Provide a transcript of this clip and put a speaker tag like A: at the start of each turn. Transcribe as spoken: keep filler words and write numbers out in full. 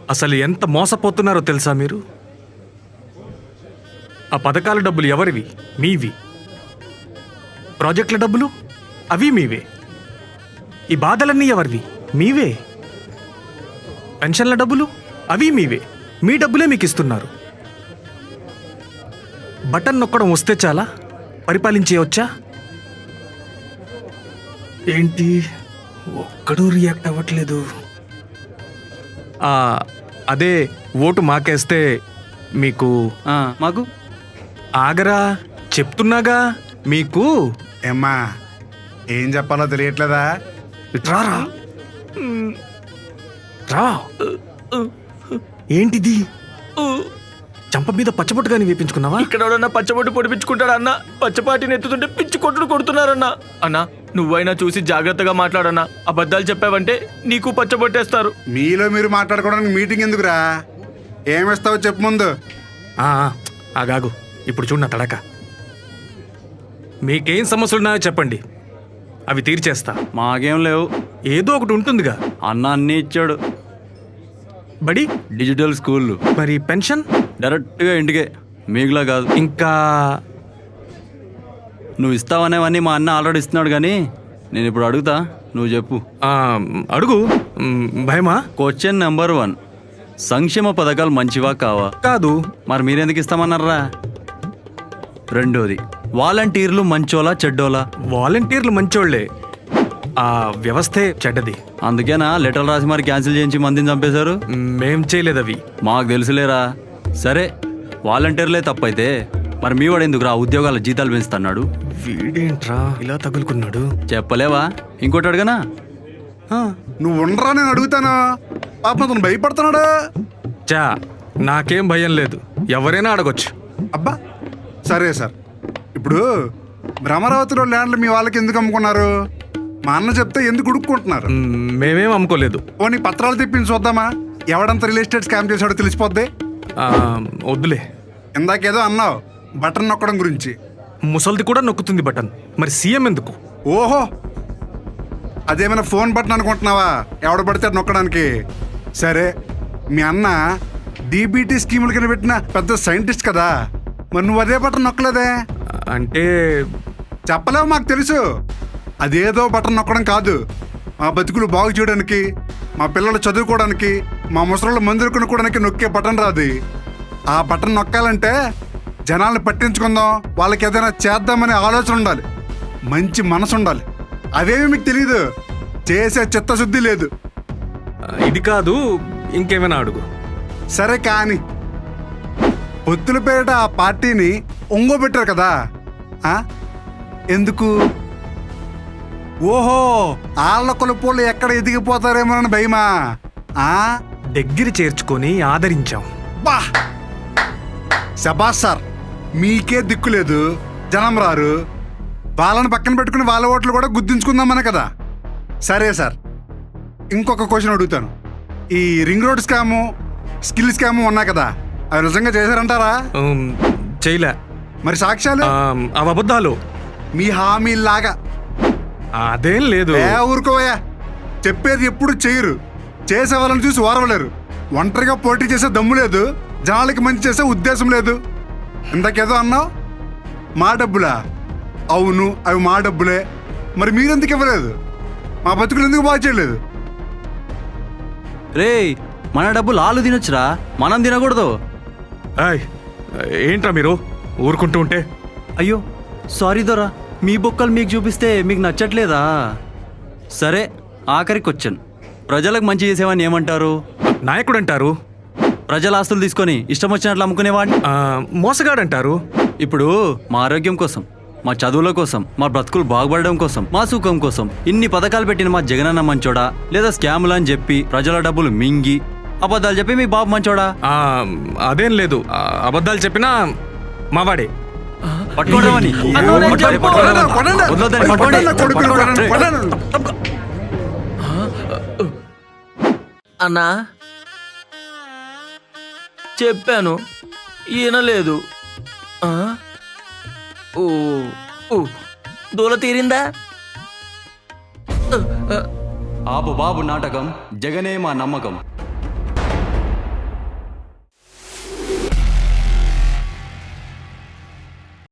A: అసలు ఎంత మోసపోతున్నారో తెలుసా మీరు? ఆ పథకాల డబ్బులు ఎవరివి? మీవి. ప్రాజెక్టుల డబ్బులు అవి మీవే. ఈ బాధలన్నీ ఎవరివి? మీవే. పెన్షన్ల డబ్బులు అవి మీవే. మీ డబ్బులే మీకు ఇస్తున్నారు. బటన్ నొక్కడం వస్తే చాలా పరిపాలించేయవచ్చా? ఏంటి ఒక్కడూ రియాక్ట్ అవ్వట్లేదు? అదే ఓటు మాకేస్తే మీకు
B: మాకు
A: ఆగరా, చెప్తున్నాగా మీకు.
C: ఏమ్మా, ఏం చెప్పాలో తెలియట్లేదా?
A: రారా రా. ఏంటిది? చంప మీద పచ్చబొట్టుగాని వేపించుకున్నావా?
D: ఇక్కడ ఎవడన్నా పచ్చబొట్టు పొడిపించుకుంటాడా అన్న? పచ్చపాటిని ఎత్తుతుంటే పిచ్చి కొట్టుడు కొడుతున్నారన్నా. అన్నా నువ్వైనా చూసి జాగ్రత్తగా మాట్లాడన్నా. అబద్ధాలు చెప్పావంటే నీకు పచ్చబొట్టేస్తారు.
C: మీలో మీరు మాట్లాడుకోవడానికి మీటింగ్ ఎందుకురా? ఏమిస్తావో చెప్పు ముందు.
A: ఆగాగు, ఇప్పుడు చూడు నా తడక. మీకేం సమస్యలున్నాయో చెప్పండి, అవి తీర్చేస్తా.
B: మాకేం లేవు.
A: ఏదో ఒకటి ఉంటుందిగా.
B: అన్న అన్నీ ఇచ్చాడు.
A: బడి
B: డిజిటల్ స్కూళ్ళు.
A: మరి పెన్షన్
B: డైరెక్ట్గా ఇంటికే, మీకులా కాదు.
A: ఇంకా
B: నువ్వు ఇస్తావనేవన్నీ మా అన్న ఆల్రెడీ ఇస్తున్నాడు, కానీ నేను ఇప్పుడు అడుగుతా, నువ్వు చెప్పు.
A: అడుగు. భయమా?
B: క్వశ్చన్ నెంబర్ వన్, సంక్షేమ పథకాలు మంచివా కావా?
A: కాదు.
B: మరి మీరెందుకు ఇస్తామన్నారా? రెండోది, వాలంటీర్లు మంచోలా చెడ్డోలా?
A: వాలంటీర్లు మంచోళ్లే, ఆ వ్యవస్థే చెడ్డది.
B: అందుకేనా లెటర్ రాసి మరి క్యాన్సిల్ చేయించి మందిని చంపేశారు?
A: మేం చేయలేదు అవి.
B: మాకు తెలుసులేరా. సరే, వాలంటీర్లే తప్పైతే మరి మీ వాడు ఎందుకు రా ఉద్యోగాల జీతాలు పెంచుతున్నాడు?
A: వీడేంట్రా ఇలా తగులుకున్నాడు?
B: చెప్పలేవా? ఇంకోటి అడగనా?
C: నువ్వు ఉండరా, నేను అడుగుతాను. పాపం అతను భయపడుతున్నాడు.
A: చా, నాకేం భయం లేదు, ఎవరైనా అడగొచ్చు.
C: అబ్బా సరే సార్, ఇప్పుడు భ్రమరావతిలో ల్యాండ్లు మీ వాళ్ళకి ఎందుకు అమ్ముకున్నారు? మా అన్న చెప్తే ఎందుకు ఉడుక్కుంటున్నారు?
A: మేమేం అమ్ముకోలేదు.
C: పోనీ పత్రాలు తెప్పించి చూద్దామా? ఎవడంత రియల్ ఎస్టేట్ స్కామ్ చేశాడో తెలిసిపోద్ది.
A: వద్దులే.
C: ఇందాకేదో అన్నావు బటన్ నొక్కడం గురించి.
A: ముసల్ది కూడా నొక్కుతుంది బటన్, మరి సీఎం ఎందుకు?
C: ఓహో, అదేమైనా ఫోన్ బటన్ అనుకుంటున్నావా? ఎవడ పడితే నొక్కడానికి. సరే, మీ అన్న డీబీటీ స్కీముల కింద పెట్టిన పెద్ద సైంటిస్ట్ కదా, మరి నువ్వు అదే బటన్ నొక్కలేదే?
A: అంటే
C: చెప్పలేవు, మాకు తెలుసు. అదేదో బటన్ నొక్కడం కాదు, మా బతుకులు బాగు చేయడానికి, మా పిల్లలు చదువుకోవడానికి, మా ముసలు మందులు కొనుక్కోవడానికి నొక్కే బటన్ రాదు. ఆ బటన్ నొక్కాలంటే జనాల్ని పట్టించుకుందాం, వాళ్ళకి ఏదైనా చేద్దామనే ఆలోచన ఉండాలి, మంచి మనసు ఉండాలి. అవేమి మీకు తెలీదు, చేసే చిత్తశుద్ధి లేదు.
A: ఇది కాదు, ఇంకేమైనా అడుగు.
C: సరే కానీ పొత్తుల పేరిట ఆ పార్టీని ఒంగోబెట్టారు కదా, ఎందుకు? ఓహో, ఆళ్ళ కొలుపులు ఎక్కడ ఎదిగిపోతారేమోనని భయమా?
A: దగ్గర చేర్చుకొని ఆదరించాం.
C: బా శబాస్ సార్, మీకే దిక్కు లేదు, జనం రారు, వాళ్ళని పక్కన పెట్టుకుని వాళ్ళ ఓట్లు కూడా గుర్తించుకుందామనే కదా. సరే సార్, ఇంకొక క్వశ్చన్ అడుగుతాను. ఈ ring road scam, skill scam ఉన్నాయి కదా, అవి నిజంగా చేశారంటారా?
A: చేయలే.
C: మరి సాక్ష్యాలు?
A: అవి అబద్ధాలు.
C: మీ హామీలాగా.
A: అదేం లేదు.
C: ఏ ఊరుకోవయ్యా, చెప్పేది ఎప్పుడు చేయరు, చేసే వాళ్ళని చూసి ఓరవలేరు. ఒంటరిగా పోటీ చేసే దమ్ము లేదు, జనాలకి మంచి చేసే ఉద్దేశం లేదు. ఇందాకేదో అన్నావు, మా డబ్బులా? అవును, అవి మా డబ్బులే. మరి మీరెందుకు ఇవ్వలేదు? మా బతుకులు ఎందుకు బాగా చేయలేదు?
B: రే, మన డబ్బులు ఆలు తినొచ్చురా, మనం తినకూడదు.
A: ఏంట్రా మీరు ఊరుకుంటూ ఉంటే?
B: అయ్యో సారీ దొరా, మీ బొక్కలు మీకు చూపిస్తే మీకు నచ్చట్లేదా? సరే, ఆఖరి క్వశ్చన్, ప్రజలకు మంచి చేసేవాడిని ఏమంటారు?
A: నాయకుడు అంటారు.
B: ప్రజల ఆస్తులు తీసుకొని ఇష్టం వచ్చినట్లు అమ్ముకునేవాడిని
A: మోసగాడు అంటారు.
B: ఇప్పుడు మా ఆరోగ్యం కోసం, మా చదువుల కోసం, మా బ్రతుకులు బాగుపడడం కోసం, మా సుఖం కోసం ఇన్ని పథకాలు పెట్టిన మా జగనన్న మంచోడా, లేదా స్కాములు అని చెప్పి ప్రజల డబ్బులు మింగి అబద్ధాలు చెప్పి మీ బాబు మంచోడా?
A: అదేం లేదు, అబద్ధాలు చెప్పినా మావాడే.
D: అన్నా చెప్పాను, ఈయన లేదు. దూల తీరిందా?
B: ఆపు బాబు నాటకం, జగనే మా నమ్మకం.